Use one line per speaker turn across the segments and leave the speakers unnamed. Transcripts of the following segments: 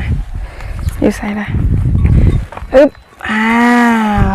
อยู่ใส่ละอึ๊บอ้าว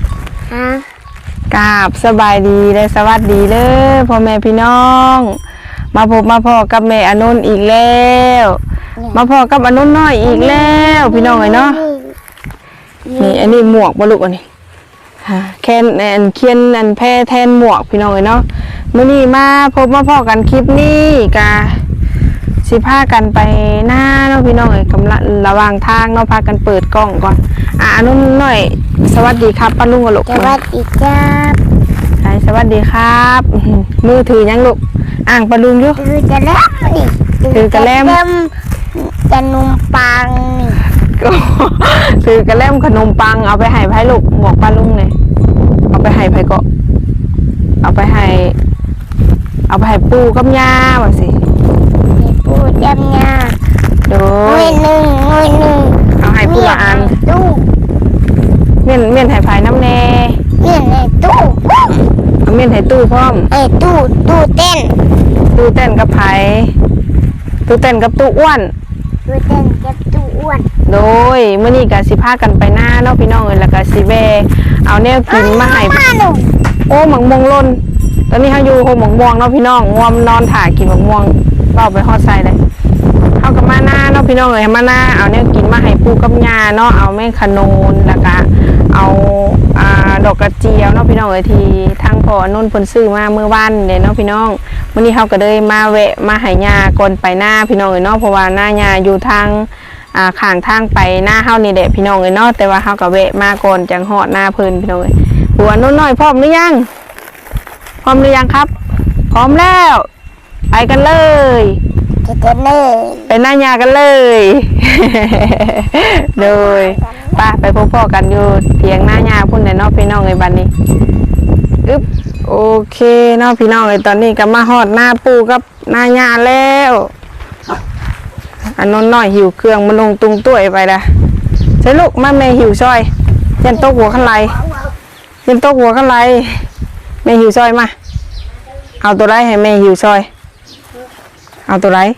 กราบสบายดีเลยสวัสดีเลยพ่อแม่พี่น้องมาพบมาพ่อกับแม่อนุนอีกแล้วมาพ่อกับอนุนน้อยอีกแล้วพี่น้องเลยเนาะนี่อันนี้หมวกบลูกอันนี้แคนอันเคียนอันแพร่แทนหมวกพี่น้องเลยเนาะมื้อนี้มาพบมาพ่อกันคลิปนี้กะสิพากันไปหน้าเนาะพี่น้องเอ้ยกำลังระหว่างทางเนาะพากันเปิดกล้องก่อนอนุนหน่อยสวัสดีครับป้าลุงกับลูก
สวัสดีครับ
สวัสดีครับมือถือยังลูกอ่างป้าลุงอยู่
ถือกระแลมนี่
ถือกระแลม
ขนมปังนี่
ถือกระแลมขนมปังเอาไปให้ไผ่ลูกหมวกป้าลุงเลยเอาไปให้ไผ่ก็เอาไปให้ปูกับย่าว่าสิ
ปูจำยา
โดย
หนึ่ง
เอาให้ปูละอัน
ตู้
เมียนให้ไผ่น้ำแน่
เมียนในตู้
เอาเมียนให้ตู้พร้อม
ตู้เต้น
กับไผ่ตู้เต้นกับตู้อ้วน
ตู้เต้นกับตู้อ้วน
โดยเมื่อนี้ก็สิพากันไปหน้าเนาะพี่น้องเอ้ยแล้วก็สิแบเอาแนวกินมาให้โอ้หมังมวงล่นตอนนี้เขาอยู่โฮหมังม่วงเนาะพี่น้องง่วมนอนถ่ากินหมังม่วงเราไปฮอดใส่เลยเอากับมาหน้าเนาะพี่น้องเอ้ยมาหน้าเอาแนวกินมาให้ปูกับยาเนาะเอาแม่ขนุนแล้วก็เอาดอกกระเจียวเนาะพี่น้องเอ้ยที่ทางพ่อนุ่นเพิ่นซื้อมาเมื่อวานเนี่ยเนาะพี่น้องวันนี้เขาก็เลยมาแวะมาให้ยาก่อนไปหน้าพี่น้องเอ้ยเนาะเพราะว่าหน้ายาอยู่ทางข้างทางไปหน้าเฮานี่แหละพี่น้องเอ้ยเนาะแต่ว่าเฮาก็แวะมาก่อนจังฮอดหน้าเพิ่นพี่น้องเอ้ยหัวนุ่นน้อยพร้อมหรือยังพร้อมหรือยังครับพร้อมแล้วไปกันเลยไปหน้ายากันเลยโดยไปพบพ่อกันอยู่เพียงหน้ายาพุ่นในนอกพี่น้องในบันนี้อึ๊บโอเคเนาะพี่น้องในตอนนี้ก็มาฮอดหน้าปูกับหน้ายาแล้วอันนนน้อยหิวเครื่องมาลงตุงตุ้ยไปละใช่ลูกมาแม่หิวซอยยันโต๊ะหัวขันไหลยันโต๊ะหัวขันไหลแม่หิวซอยมาเอาตัวไรให้แม่หิวซอยเอาตัวไร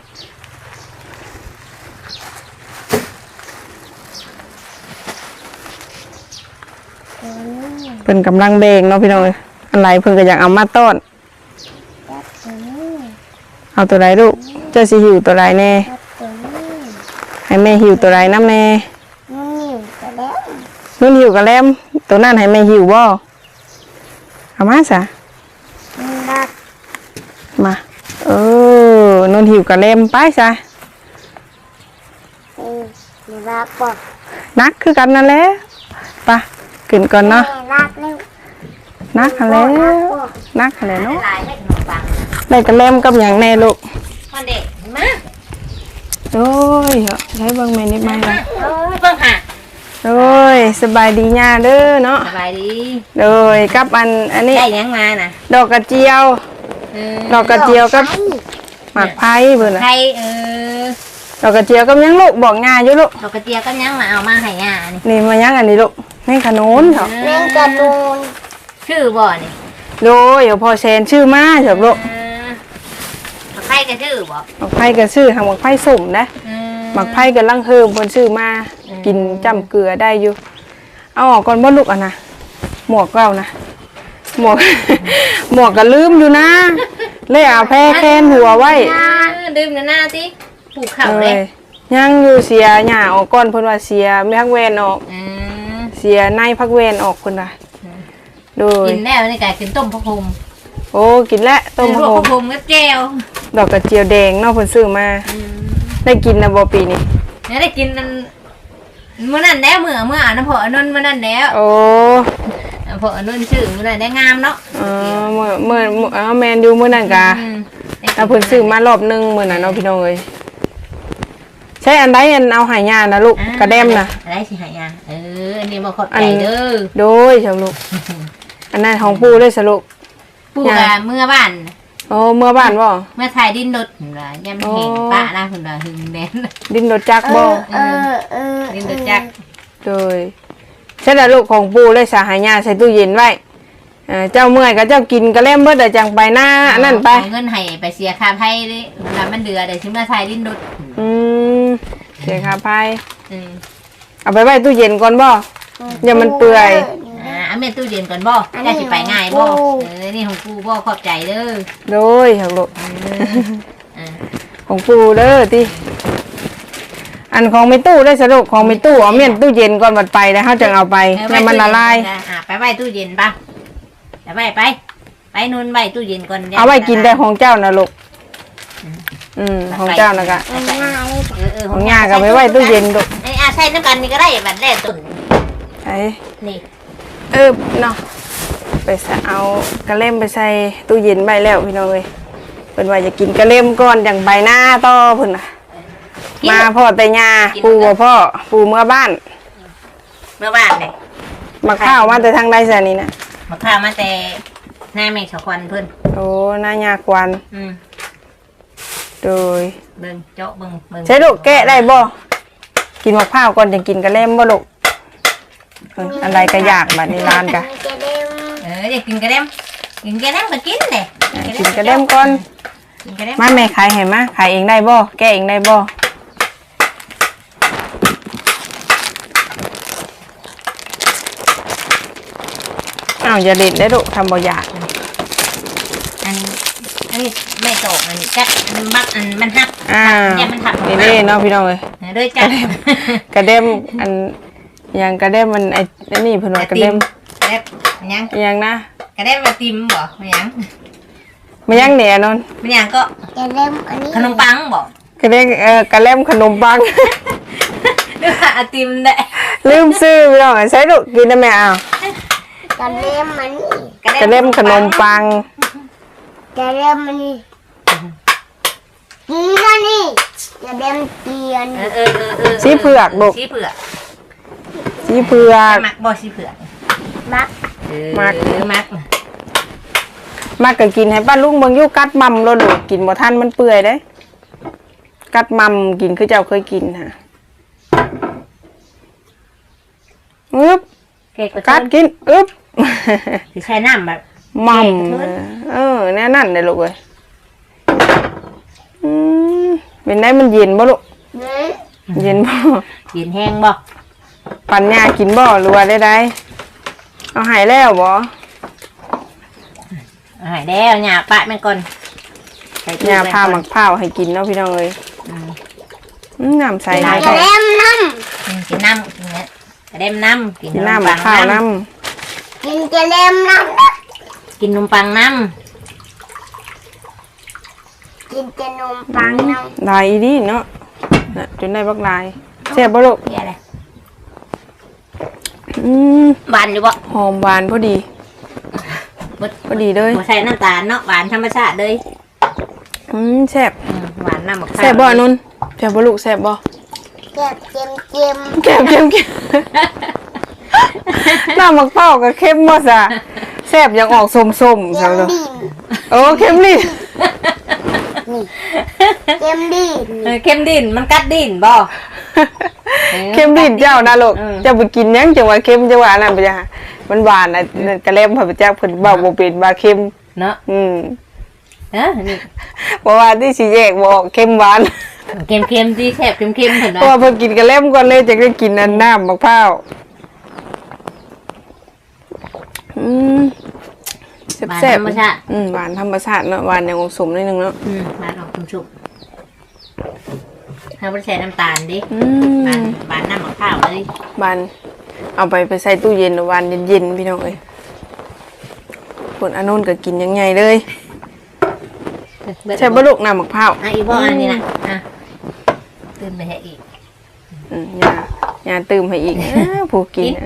เพิ่นกำลังเบงเนาะพี่น้องอะไรเพิ่นก็อยากเอามาต้อนเอาตัวไรลูกเจ้าสิหิวตัวไรแน่ให้แม่หิวตัวไรน้ำแน่นุ่นหิวกระแลมตัวนั่นให้แม่หิวบ่เอามาซะมานุ่นหิวกระแลมไปซะนักคือกันนั่นแหละไปกินก่อนเนาะนักอะไรเนาะได้กระเล่มกับอย่างแน่ลูกโอ้ยใช้เบิ้งเมนิดไหมล่ะ
เบิ้งค่ะ
โอ้ยสบายดีญ่าเด้อเนาะ
สบายดี
โดยกับอันนี้
ได้ยังมาน่ะ
ดอกกระเจียวกับหมากไผ่เบิ่งน่ะดอกกระเจียวกับยังลูกบอกง่ายอยู่ลูก
ดอกกระเจียวกับยังมาเอามาให้ง่า
นี่มายังอันนี้ลูกนี่ขนุนเหรอ
แมงกระนูนชื่อบ่นี่
โดยเดี๋ยวพอเซนชื่อมาเถอะลูก
หมักไผ่ก็ชื่อบ่
หมักไผ่ก็ชื่อหมักไผ่สุ่มนะหมักไผ่ก็ลังเฮิมคนชื่อมากินจำเกลือได้อยู่เอาออกก่อนบ่ลูกอ่ะนะหมวกเรานะหมวกก็ลืมอยู่นะเลยเอาแพร่แค้นหัวไว้
ลืมหน้าสิผูกเข่าเลย
ยังอยู่เสียหญ้าออกก่อนเพิ่นว่าเสียไม่พักเวนออกเสียในพักเวนออกคนละดู
กินแล้วนี่ไก่กินต้มพะพง
โอ้กินแล้วต้มพะ
พงกับแก้ว
ดอกกระเจียวแดงนอกคนซื้อมาได้กินนะบอปีนี้
ได้กินเมื่อนั้นแล้วเมื่อน้ำผอนุ่นเมื่อนั้นแล้ว
โอ้
ผอนุ่นชื่อเมื่อนั้นได้งามเนาะ
เมื่อแมนดูเมื่อนั้นกะแต่เพิ่นซื้อมารอบนึงเมื่อนั้นเนาะพี่น้องเอ้ยใช่อันใดอันเอาหายยานะลูกกระเด็มนะ
อะไรสิหายาอันนี้มาขอบใจเด้อ
โดยชาวลูกอันนั้นของปูเลยสรุป
ปูกับเมื่อบ้าน
โอ้เมื่อบ้านบ่
เมื่อถ่ายดินรถเหรอย่ำเห็นป้าหน้าคุณดาหึงแดน
ดินรถจักบ่
ดินรถจัก
โดยใช่แล้วลูกของปูเลยสาหายาใส่ตู้เย็นไว้เจ้าเมื่อยก็เจ้ากินก็เล่มเบิดแต่จังไปหน้านั่นไป
เงินให้ไปเสียค่าไพ่ดิมันเดือดเดี๋ยวชิมมาถ่ายดินรถ
เสียค่าไฟ
อืม
เอาไปไว้ตู้เย็นก่อนบ่อย่ามันเปื่อย
เอาเมนตู้เย็นก่อนบ่จะสิไปง่ายบ่นี่ของกูบ่ขอบใจเด้อ
โดยหักลูก
อ่า
ของปูเด้อติอันของไม่ตู้ได้สรุปของไม่ตู้เอาเมียนตู้เย็นก่อนบัดไปแล้วเฮาจึงเอาไปให้มันละลาย
ไปไว้ตู้เย็นป่ะไปนู่นไว้ตู้เย็นก่อน
เอาไว้กินได้ของเจ้านะลูกของเจ้านะกะของย่าก็ไปไว้ตู้เย็นลูก
ไอ้ใช้น้ำกันนี่ก็ได้บัดแรกตุ่น
ไอ้
นี่
เนาะไปเอากระเล่มไปใส่ตู้เย็นไว้แล้วพี่น้องเอ้ยเพิ่นว่าจะกินกระเล่มก่อนอย่างใบหน้าต่อเพิ่นน่ะมาพ่อแต่ย่าปู่บ่พ่อปู่เมื่อบ้าน
เมื่อวานเลย
มาข้าวมาแต่ทางใดซะนี่นะ
มาข้าวมาแต่หน้าแม่ชาวควันเพิ่น
โอ้หน้ายากวันโดย
เบิ่งเจาะเบิ่ง
ใช้ลูกแกะได้บ่กินมะพร้าวก่อนจะกินกระเล่มบ่ลูกอะไรก็อยากบัดนี้ร้านกะ
อยากกินกระเด็มก็กินเลย
กินกระเล่มก่อน
กินกระเด็ม
มาแม่ขายให้มาขายเองได้บ่แกะเองได้บ่อ้าวอย่าเด็ดได้ลูกทำบ่อยาก
อันนี้ไม่โตอันนี้กัดมันบักอันมันหักเนี่ยมันหัก
นี่เด้เนาะพี่น้องเอ้ย
ด้วยจัด
กระเด็มอันยังกระเด็มมันไอ้นี่เพิ่นว่ากระเด็ม
กระเด็มยัง
ยังนะ
กระเด็มมาติมบ่มันยัง
มันยังเนี่ยนน
มันยังก็ขนมปังบ่
กระเด็มกระเล่มขนมปัง
หรือว่าติมได้
ลืมซื้อพี่น้องใช้ลูกกินได้ไหมอ้าว
กระเล่มมัน
กระเล่มขนมปัง
กระเล่มมันนี่กีกันนี่กระเล่มเตียน
สีเผือกลูก
สีเผือก
สีเผือก
มักบ่สีเผือก
มัก
มัก
มากก็กินให้ป้าลุงเบิ่งอยู่กัดมัมโลดลูกกินบ่ทันมันเปื่อยเด้กัดมัมกินคือเจ้าเคยกินฮะอึ๊บกัดกินอึ๊บ
สิใช้น้ำแบบ
มัมแน่นั่นเลยลูกเอ้ยเป็นได้มันเย็นบ่ลูก
นี่
เย็นบ่
เย็นแห้งบ่
ปันยากินบ่หรือว่าได้เอาหายแล้วบ่
หายแล้วหญ้าปะมันก่อน
ยาพาหมักเผาให้กินเนาะพี่น้องเอ้ยน้ำใส
กระเล่มน้
กินน้ำกินเนี่ยกระเด็มน้ำกิน
น้ำหมักเผาน้
ำกินกระเล่มน้
กินนมปังน้
ำกินกระนมปังน้
ำลายอีดีเนาะจนได้บักลายแซ่บบ่ลูก
ำเดี๋ยวอะไร
ห
วานอยู่บ่
หอมหวานพอดีพอดีเลย
บ่ใส่น้ำตาลเนาะหวานธรรมชาติเลย
แซ่บ
หวานน้ำมะพร้าว
แซ่บบ่นุ่นแซ่บบ่ลูกแซ่บบ่
ำเก็บเค็มเค็ม
เค็มเค็มเค็มน้ำหมักเผากับเค็มบ่ซะแซ่บยังออกส้มๆ
เค็
ซะ
ม
ลูก
ดิน
โอ้เค็มลิ้น
เค็มดิน
เค็มดินมันกัดดินบ่
เค็มลิ้นเจ้านะลูกเจ้าไปกินยังจังว่าเค็มจังว่านั่นไปจ้ะมันหวานน่ะกระเล่มพระพุทธเจ้าเพิ่นเว้าบ่เป็นว่าเค็ม
เนาะนี่
เพราะว่าที่สิแยกบ่ออกเค็มหวาน
เค็มๆที่แซ่บเค็มๆเห็น
เพราะ
บ่
ว่าเพิ่นกินกระเล่มก่อนเลยจะได้กินอันน้ำมะพร้าวแซ่บ
ธรรมชาติ
หวานธรรมชาติเนาะหวานอย่างอมสมนิดนึงเนาะ
หวานออกชุ่มๆถ้าบ่ใส่น้ำตาลดิหวานน้ำมะพร้าวเลย
หวานเอาไปใส่ตู้เย็นหวานเย็นๆพี่น้องเอ้ยคนอันนู้นก็กินยังไงเลยใช่บ่ลูกน้ำมะพร้าว
อีบ่อันนี้นะตื่นไปให้อีก
ยาตื่มให้อีกผู้กิน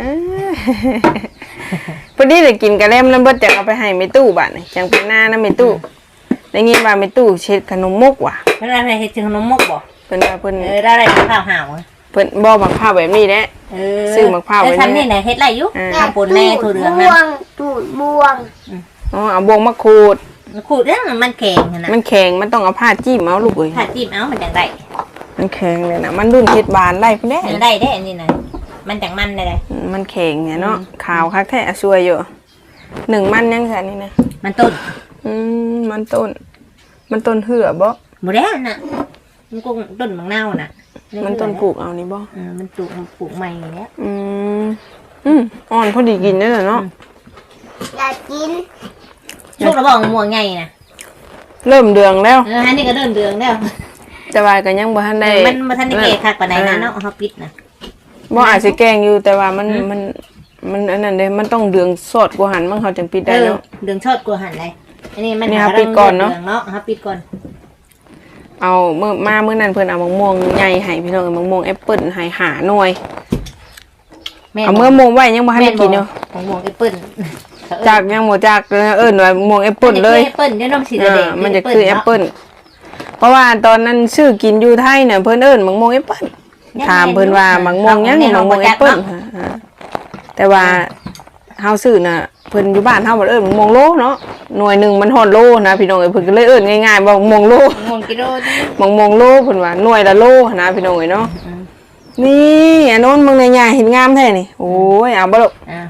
พอดีเลยกินกระเล่มแล้วเบิดจะเอาไปให้แม่ตู้บ้านจังเป็นหน้านะแม่ตู้ได้ยินว่าแม่ตู้เช็ดขนมมกว่ะ
เพิ่นอะไรเฮ็ดถึงขนมมกบ่
เพิ่นว่าเพิ่น
ได้อะไรข้าวห่าว
เพิ่นบ่มะพร้าวแบบนี้แหละ ซื้อมะพร้าวไว้
ทำนี่ไหนเฮ็ดไรอยู่ทำปนแม่ถั่วเหลือง
บ
นะ
วงตูดบวง
เอาบวงมาขูด
ขูดแล้วมันแข็งนะ
มันแข็งมันต้องเอาผ้าจิ้มเอาลูกเอ้ย
ถ้าจิ้มเอามันจังได้
มันแข็งเลยนะมันรุ่นเฮ็ดบานได้พุ่นแน่
ได้อันนี้นะมันจังมันได้
มันแข็งเนี่ยเนาะขาวคักแท้สวยอยู่มันยังซั่นนี่นะ
มันต้น
มันต้นเหือบ่
บ่ได้น่ะมันก็ต้นมะนาวน่ะ
มันต้นปลูกเอานี่บ่
มันปลูกใหม่แล้ว
อ่อนพอดีกินได้เลยเนาะ
อยากกิน
ช่วงเราบอกม่วงไงนะ
เริ่มเดืองแล้ว
ฮันนี่ก็เดินเดืองแล้ว
แต่ว่าก็ยังบ่ทันได้
มันมาทันได้เกะคักปานใดนะเนาะเขาปิดนะ
บ่อาจสิแกงอยู่แต่ว่ามันอันนั้นเด้มันต้องเดืองสดกว่าหันมันเขาจังปิดได้เนาะ
เดืองชดกลัวหันเลยอันนี้มัน
นี่ครับปิดก่อนเนาะ
ครับปิดก่อน
เอามื้อนั้นเพิ่นเอามะม่วงใหญ่ให้พี่น้องมะม่วงแอปเปิ้ลให้หาหน่อยเอาเมื่อม่วงไว้ยังบ่ทันได้กินอยู่
มะม่วงแอปเปิ้ล
จากยังบ่จากเอิ้นว่ามะม่วงแอปเปิ้ลเลย
แอปเปิ้ลเนี่ยน้องสีแดง
มันจะคือแอปเปิ้ลเพราะว่าตอนนั้นชื่อกินอยู่ไทยเนี่ยเพิ่นเอิ้นมะม่วงแอปเปิ้ลถามเพิ่นว่ามะม่วงยังมะม่วงแอปเปิ้ลแต่ว่าเฮาซื้อน่ะเพิ่นอยู่บ้านเฮาบ่เอิ้นมะม่วงโลเนาะหน่วยนึงมันฮอดโลนะพี่น้องเอ้ยเพิ่นก็เลยเอิ้นง่ายๆว่ามะม่วงโล
มะม่วงกิโลนี่
มะม่วงโลเพิ่นว่าหน่วยละโลนะพี่น้องเอ้ยเนาะนี่อันโน้นมึงในใหญ่เห็นงามแท้นี่โอ้ยเอาบ่ลูก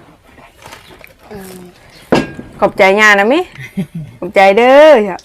ขอบใจย่านะมิขอบใจเด้อครับ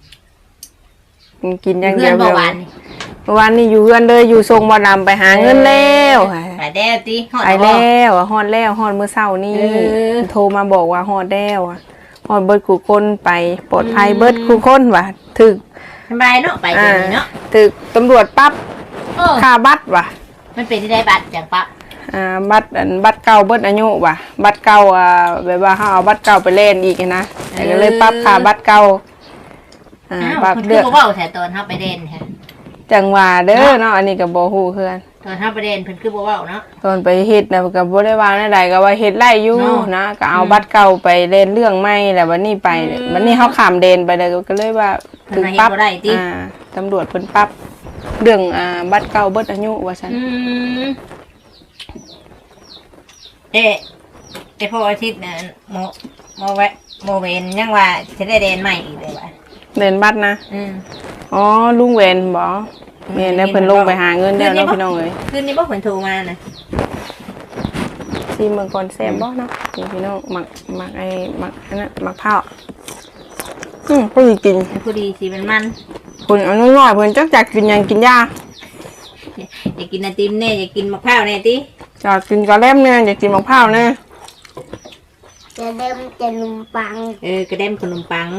กินอย่างเดียว
เมื่อวาน
เมื่อวานนี่อยู่เฮือนเลยอยู่ทรงบ่ดำไปหาเงินแล้ว
ไปแล้วติฮอด
ไปแล้วฮอดแล้วฮอดมื้อเช้านี่โทรมาบอกว่าฮอดแล้วฮอดเบิดคู่คนไปปลอดภัยเบิดคู่คนว่ะถึก
สบายเนาะไปเดี๋ยวนี้เนาะ
ถึกตำรวจปั๊บค่าบัตรว่ะ
มันเป็นที่ได้บัตรจากปั๊บ
บัตรเก่าเบิดอายุว่ะบัตรเก่าแบบว่าเฮาเอาบัตรเก่าไปเล่นอีกนะก็เลยปรับค่าบัตรเก่าปรับ
เดื
เลื
อ
อก
กเว้าแต่ตอนเฮาไปเด่นแท้
จังหวะเด้อเนาะอันนี้ก็บ่ฮู้คือกัน
ตอนเฮาไปเด่นเพิ่นคือบ่เว้าเนาะ
ตอนไปเฮ็ดน่ะก็บ่ได้ว่าแนวใดก็ว่าเฮ็ดไร่อยู่นะก็เอาบัตรเก่าไปเล่นเรื่องใหม่แล้ววันนี้ไปวันนี้เฮาข้ามแดนไปเลยก็เลยว่าถึงปรับตำรวจเพิ่นปรับเรื่องบัตรเก่าเบิดอายุว่าซั่น
พออาทิตย์น่ะโมเวนยังว่าจะได้เด่นใหม่อีกเลยว่ะ
เล่นบัตรนะอ๋อลุงเวนบ่แม่นแล้วเพิ่นลงไปหาเงินแล้วเนาะพี่น้องเอ้ย
คืนนี้บ่เพิ่นโทรมานะ
ซีเมืองก่อนแซ่บบ่เนาะนี่พี่น้องหมักอันนั้นหมักเผาพอดีกิน
พอดีสิมัน
คุณเอาน้อยๆเพิ่นจักกินหยังกินยา
อยากกินไอติมแน่อยากกินมะพร้าวแน่ติ
จะกินกะแลมเนี่ยอยากกินหมักเผาเนี่ย
จะเดิมจะนมปัง
กระเด็มขนมปัง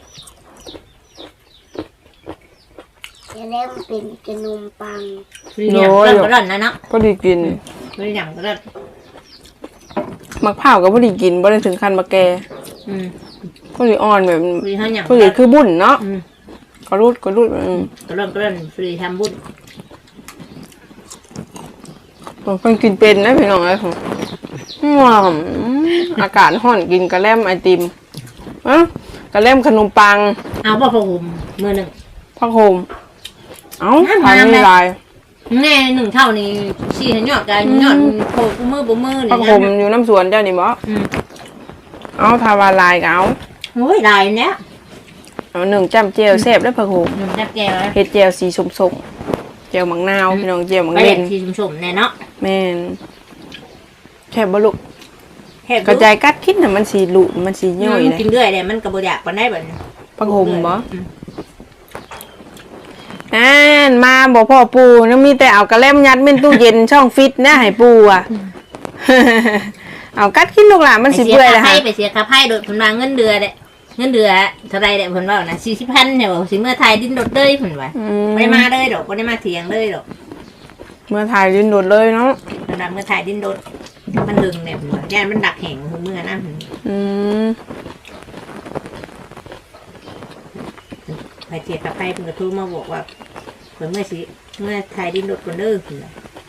จะเริ่มเป็นขนมปัง
เริ่มก็ร่อนนะเนาะ
พอดีกิน
ไม่ได้หยังก็ร่อน
หมักเผาก็พอดีกินบ่ได้ถึงขั้นมาแก่พอดีอ่อนแบบ
ฟรีเท่าหยัง
พอดีคือบุญเนาะก็รูด
ก็ร่อนฟรีทำบุญ
เพิ่นกินเป็นนะพี่น้องเอ้ยอากาศร้อนกินกะแลมไอติมกะแลมขนมปัง
เอาบ่พอห่มมือหนึ่ง
ผักโขมทานไม่ลาย
แน่หนึ่งเท่านี้ชี้ให้ยอดกันยอดโผล่กูมือบ่มือ
ผักโขมอยู่น้ำสวนเจ้านี่บ่เอาทาวาลายก็เอา
โอ้ยลายเนี้ย
เอาหนึ่งจ้ำเจียวแซ่บแล้วผักโขม
หนึ่งจับแก้ว
เฮ็ดเจียวสีส้มๆเจียวมังนาวพี่น้องเจียวมัง
ไป
เล่
เล่
น
นสีสุ่มๆแน่เนาะ
แม่นแค่บ่ลูกกระจายกัดคิดน่ะมันสิหลุมันสิย่อยเลย
กินเรื่อยเลยมันก็บ่อยากปานใดบัดนี้
ผักโขมบ่มาบ่พ่อปูนะมีแต่เอากระเล่มยัดเป็นตู้เย็นช่องฟิตนะให้ปูอ่ะ เอากัดกินลูกหลานมันสิเปื่อยเลยค่ะ
ไปเสียค่าไพ่โดดเพิ่นว่าเงินเดือนเด้เงินเดือนเท่าไรเด้เพิ่นว่านะ40,000เนี่ยบ่สิเมื่อไทยดิ้นโดดเลยเพิ่นว่าบ่ได้มาเลยดอกบ่ได้มาเถียงเลยดอก
เมื่อถ่ายดินโดดเลยเนาะ
ระดับเมื่อไทยดิ้นโดดมันดึงเนี่ยเพิ่นว่าย่านมันดักแหงเมื่อนั้นไปเสียค่าไพ่เพิ่นก็โทรมาบอกว่าเพิ่นเมื่อไทยดิ้นโดดก่อนเด้อเพิ่นว่า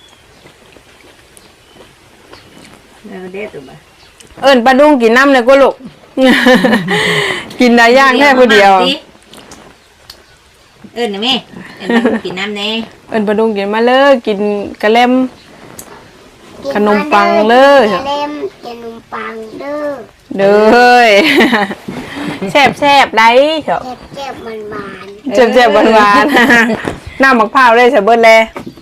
แล้วเด็ดตัวบ่
เอิ้นปลาดุงกินน้ำเลยก็ลูก กินได้ย่างแค่ผู้เดียว
เอิ้นแม่เอิ้นมากินน้ำแน่
เอิ้นปลาดุงกินมาเลยกินกระเล่มขนมปังเลย
จะเริ่มขนมปังเด้อ
เด้อ แซ่บได้เถอะ
เจ็บมันหวาน
แซ่บหวานๆน้ำมะพร้าวเลยใส่เบิดเลย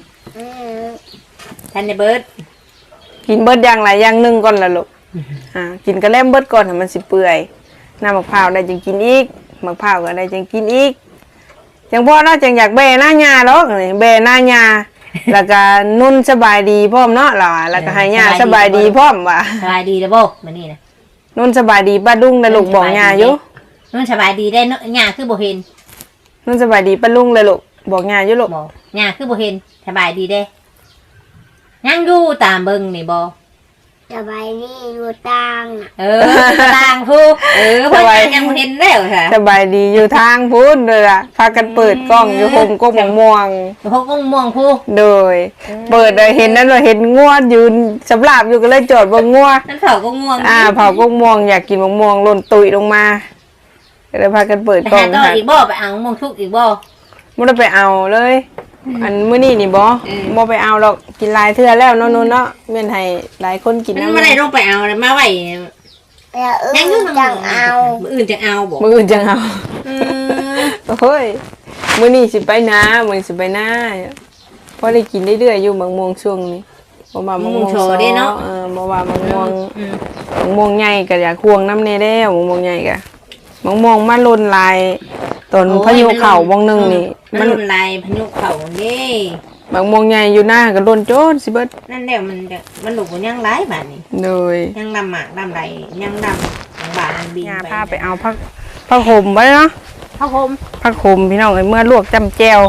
ท่านได้เบิด
กินเบิดอย่างไรอย่างหนึ่งก่อนละลูกกินกระเล่มเบิดก่อนให้มันสิเปื่อยน้ำมะพร้าวได้จึงกินอีกมะพร้าวก็ได้จึงกินอีกจังพ่อเนาะจังอยากแบหน้าหญ้าดอกนี่แบหน้าหญ้าแล้วก็นุ่นสบายดีพร้อมเนาะล่ะแล้วก็ให้หญ้าสบายดีพร้อมว่ะ
สบายดีแล้วบ่มื้อนี้นะ
นุ่นสบายดีป้าลุงเลยลูกบอกหญ้าอยู่
นุ่นสบายดีได้เนาะหญ้าคือบ่เห็น
นุ่นสบายดีป้าลุงเลยลูกบอกหญ้าอยู่ลูก
บ่หญ้าคือบ่เห็นสบายดีเด้ยังอยู่ตามเบิ่งนี่บ่
สบายดีอยู่ตังน่ะ
ต่างผู้เพิ่นยังบ่เห็นแล้วค่ะ
สบายดีอยู่ทางพุ้นเลยล่ะพากันเปิดกล้องอยู่โฮมกงม่วง
พวกม่วงผู้
โดยเปิดเลยเห็นนั่นเลยเห็นงัวยืนสำหรับอยู่ก็เลยจอดบนงัว
นั่นเขาก็ง่วง
เผากงม่วงอยากกินมะม่วงหล่นตุยลงมาก็เลยพากันเปิด
ไป
กล้อ
หาง ต่อ
ค่ะ
อีกบ่ไปเอาม่วงทุกอีกบ่
ไม่ได้ไปเอาเลย อันมื้อนี้นี่บ่ไปเอาหรอกกินหลายเทื่อแล้วเนาะนู่นเนาะแม่นให้หลายคนกิน
มัน
น้ำ
ไม่ได้ลงไปเอาเลยมาไว้
แล้ว
ยัง
อื่นจังเอา
มื้ออื่นจะเอาบ่
มื้ออื่นจังเอาเฮ้ยมื้อนี้สิไปนามื้อนี้สิไปนาพอได้กินเรื่อยๆอยู่มะม่วงช่วงนี้บ่ว่ามะม่วงโชว์เนาะบ่ว่ามะม่วงใหญ่ก็อยากควงน้ำแน่แล้วมะม่วงใหญ่ก็มะม่วงมาล้นลายต้นพายุเข้าวงนึงนี่
มันรุนลายพายุเข้าเด้
มะม่วงใหญ่อยู่หน้าก็ล้นโจนสิเบิด
นั่นแหละมันหลุกยังหลายบาดนี้
เลย
ยังดำหมากดำไรยังดำของบาดมันบิน
ย่า
ไป
พาไปเอาผักห่มไว้เนาะ
ข้าวโพม
ผักห่มพี่น้องเอ้ยเมื่อลวกจำแจว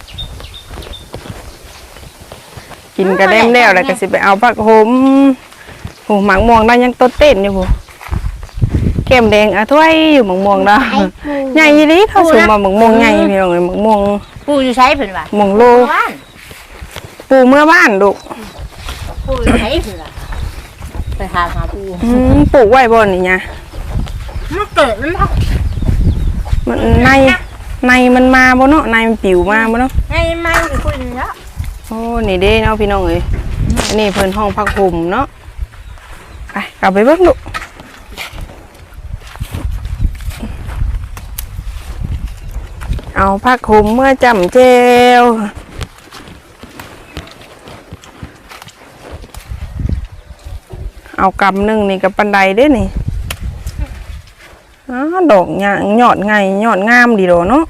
กินกระเด้มแล้วแล้วก็สิไปเอาผักห่มโหหมักม่วงได้ยังต้นเต้นอยู่บ่แก้มแดงอะถ้วยอยู่หมักม่วงเนาะใหญ่อีหลีเข้าสู่มาหมักม่วงใหญ่พี่น้องเอ้ยหมักม่วง
ปูอยู่ใช้เพิ่นว่า
ม่วงโลปูเมื่อบ้านลูก
ปูอยู่ใช้เพิ่นว่าไปหาปู
ปลูกไว้บ่นี่เนี่ย
มันเกิดมันพัก
มันในมันมาบ่เนาะในมันปิวมาบ่เนาะ
ไงมาอยู่คุยเนาะ
โอ้นี่เด้เนาะพี่น้องเอ้ยอันนี้เพิ่นห้องพักห่มเนาะไปกลับไปเบิ่งลูกเอาพักห่มเมื่อจำเจวเอากำหนึ่งนี่กับปันไดเด้นี่ดอกหยางยอดไงยอดงามดีโดเนาะ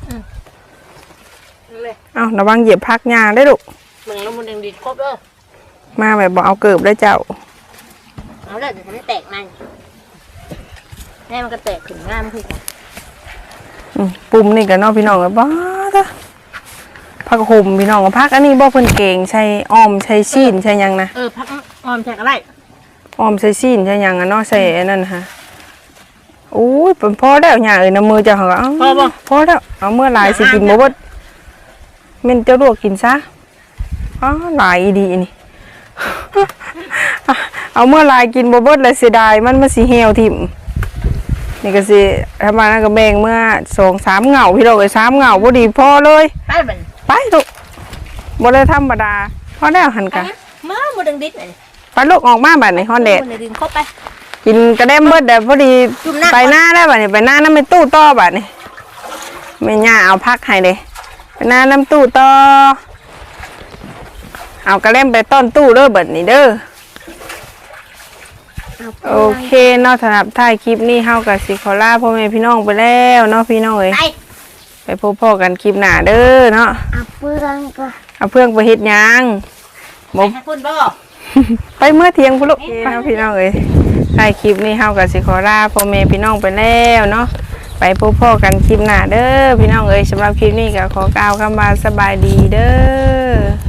เอาระวังเหยียบพักหญ้าได้ลูก
มึงแล้วมันยังดีครบเด้อ
มาแบบบอกเอาเกิบได้เจ้า
เอาเลยเดี๋ยวมันแตกมันแม่มันก็แตกขึ้นง่ายมันคือ
ปุ่มนี่กันเนาะพี่น้องกับบ้าจ้ะพักห่มพี่น้องกับพักอันนี้บ่เพิ่นเก่งใช้อ้อมใช้ซีนใช้หยังนะ
พักออมแตกอะไร
อ้อมใช้ซีนใช้หยังอะเนาะใส่อันนั้นฮะโอ้ยเป็นพอแล้วหญ้าเอ้ยน้ำมือเจ้าเหรอพอแล้วเอาเมื่อหลายสิกินบ่เบิดแม่นเจ้าลวกกินซะหลายดีนี่ เอาเมื่อหลายกินบ่เบิดเลยเสียดายมันสิเหี่ยวทิ่มนี่ก็สิทำมาแล้วก็แบ่งเมื่อ2-3เหงาพี่น้องเอ้ย3เหงาบ่ดีพอเลย
ไปบัน
ไปลูกบ่ได้ธรรมดาพอแล้วหันกะ
มาบ่ดังดิดเลย
ไปลูกออกมาบัดนี้ฮอนแดด
มันดึงครบไป
กินกระเด้มเบิดเดี๋ยวพอดี
จุ่มหน้า
ไปหน้าได้บัดนี้ไปหน้าน้ำเป็นตู้ต่อบัดนี้แม่ย่าเอาพักให้เด้ไปหน้าน้ำตู้ต่อเอากระเด้มไปต้นตู้เด้อบัดนี้เด้อโอเคเนาะสำหรับท้ายคลิปนี้เฮากับสิขอลาพ่อแม่พี่น้องไปแล้วเนาะพี่น้องเอ้ย
ไป
ไปพบพ่อกันคลิปหน้าเด้อเนาะ
เอาเพื่อนก็
เอาเพื่อนไปเฮ็ดหยัง
ไปหาคุณบ่
ไปเมื่อเที่ยงพุ่นลูกไปพี่น้องเอ้ยท้ายคลิปนี้เฮากับสิขอลาพ่อแม่พี่น้องไปแล้วเนาะไปพบพ่อกันคลิปหน้าเด้อพี่น้องเอ้ยสำหรับคลิปนี้ก็ขอกล่าวคำว่าสบายดีเด้อ